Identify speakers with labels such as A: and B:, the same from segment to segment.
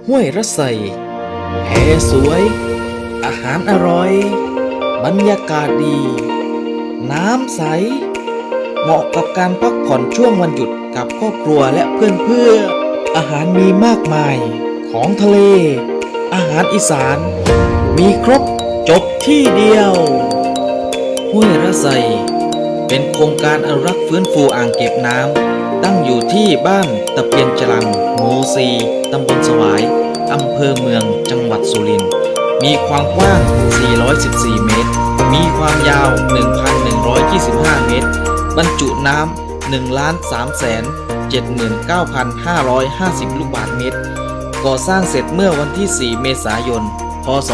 A: ห้วยระไสแพสวย อาหารอร่อย บรรยากาศดี น้ำใส เหมาะกับการพักผ่อนช่วงวันหยุดกับครอบครัวและเพื่อนๆ อาหารมีมากมาย ของทะเล อาหารอีสาน มีครบจบที่เดียว ห้วยระไสเป็นโครงการอนุรักษ์ฟื้นฟูอ่างเก็บน้ำตั้งอยู่ที่บ้านตะเพียนจรังหมู่4ตำบลสวายอำเภอเมืองจังหวัดสุรินทร์มีความกว้าง 414 เมตร มีความยาว 1,125 เมตร บรรจุน้ำ 1,379,550 ลูกบาศก์เมตร ก่อสร้างเสร็จเมื่อวันที่ 4 เมษายน พ.ศ.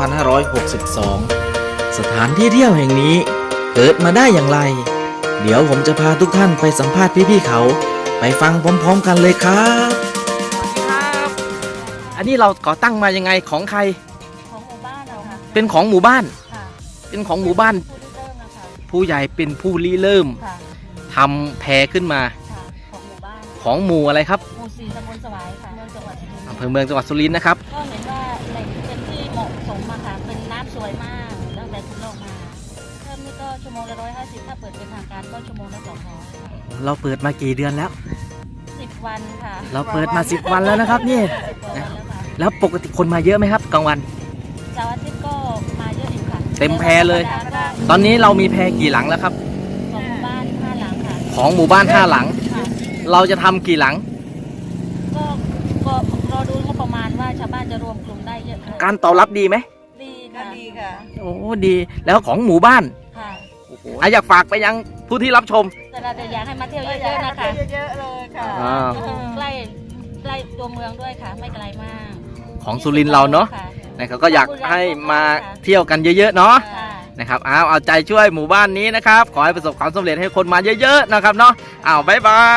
A: 2562 สถานที่เที่ยวแห่งนี้เกิดมาได้อย่างไร เดี๋ยวผมจะพาทุกท่านไปสัมภาษณ์พี่ๆเขา ไปฟังพร้อมๆกันเลยครับ
B: สวัสดีครับ อันนี้เราก่อตั้งมายังไงของใคร
C: ของหมู่บ้านเราค่ะ
B: เป็นของหมู่บ้าน
C: ค่ะ
B: เป็นของหมู่บ้าน
C: ผู้ริเริ่มนะคะ
B: ผู้ใหญ่เป็นผู้ริเริ่ม
C: ค่ะ
B: ทำแพขึ้นมา
C: ค่ะ ของหมู่บ้าน
B: ของหมู่อะไรครับ
C: หมู่4ตำบลสวายค่ะเมืองจังหวัดสุรินทร์
B: อำเภอเมืองจังหวัดสุรินทร์นะครับ
C: ก็เห็นว่าแหล่งเป็นที่เหมาะสมมาค่ะ เป็นน้ำสวยมากตั้งแต่คุณโลกมาเริ่มนี่ก็ชั่วโมงละ150ถ้าเปิดเป็นทางการก็ชั่วโมงละ200ค่ะ
B: เราเปิดมากี่เดือนแล้ว
C: 10 วันค่ะ
B: เราเปิดมา10 วันแล้วนะครับนี่
C: 10 วันแล้วค่ะ
B: แล้วปกติคนมาเยอะไหมครับกลางวัน
C: เสาร์อาทิตย์ก็มาเยอะอีกค่ะ
B: เต็มแพเลย
C: แต่ว่าธรรมดาก็
B: ตอนนี้เรามีแพกี่หลังแล้วครับ
C: ของหมู่บ้าน5 หลังค่ะ
B: ของหมู่บ้าน5 หลัง
C: ค่ะ
B: เราจะทำกี่หลัง
C: ก็ก็รอดูงบประมาณว่าชาวบ้านจะรวมกลุ่มได้เยอะค่ะ
B: การตอบรับดีไหม
C: ดีค่ะดีค่ะ
B: โอ้ดี แล้วของหมู่บ้าน
C: ค่ะ
B: อยากฝากไปยังผู้ที่รับชม
C: แต่เราจะอยากให้มาเที่ยวเยอะๆนะคะ
D: เยอะๆเลยค่ะ
B: อ่า
C: ใกล้ใกล้ตัวเมืองด้วยค่ะ ไม่ไกลมาก
B: ของสุรินทร์เราเนาะ
C: ค่
B: นะครับก็อยากให้มาเที่ยวกันเยอะๆเนาะ
C: ค่ะ
B: นะครับเอาใจช่วยหมู่บ้านนี้นะครับ ขอให้ประสบความสำเร็จให้คนมาเยอะๆนะครับเนาะบ๊ายบาย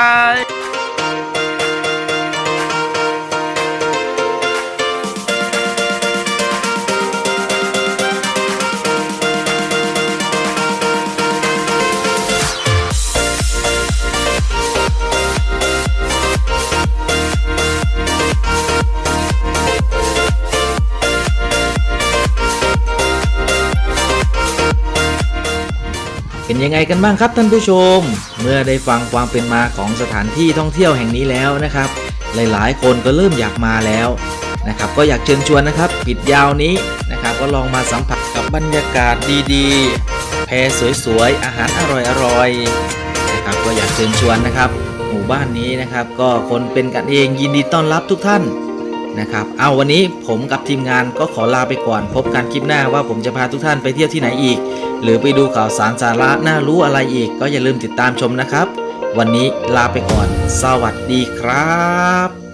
A: เป็นยังไงกันบ้างครับท่านผู้ชม เมื่อได้ฟังความเป็นมาของสถานที่ท่องเที่ยวแห่งนี้แล้วนะครับ หลายๆ คนก็เริ่มอยากมาแล้วนะครับ ก็อยากเชิญชวนนะครับปิดยาวนี้นะครับก็ลองมาสัมผัสกับบรรยากาศดีๆ แพสวยๆอาหารอร่อยๆนะครับก็อยากเชิญชวนนะครับ หมู่บ้านนี้นะครับก็คนเป็นกันเองยินดีต้อนรับทุกท่านนะครับวันนี้ผมกับทีมงานก็ขอลาไปก่อนพบกันคลิปหน้าว่าผมจะพาทุกท่านไปเที่ยวที่ไหนอีก หรือไปดูข่าวสารสาระน่ารู้อะไรอีกก็อย่าลืมติดตามชมนะครับ วันนี้ลาไปก่อน สวัสดีครับ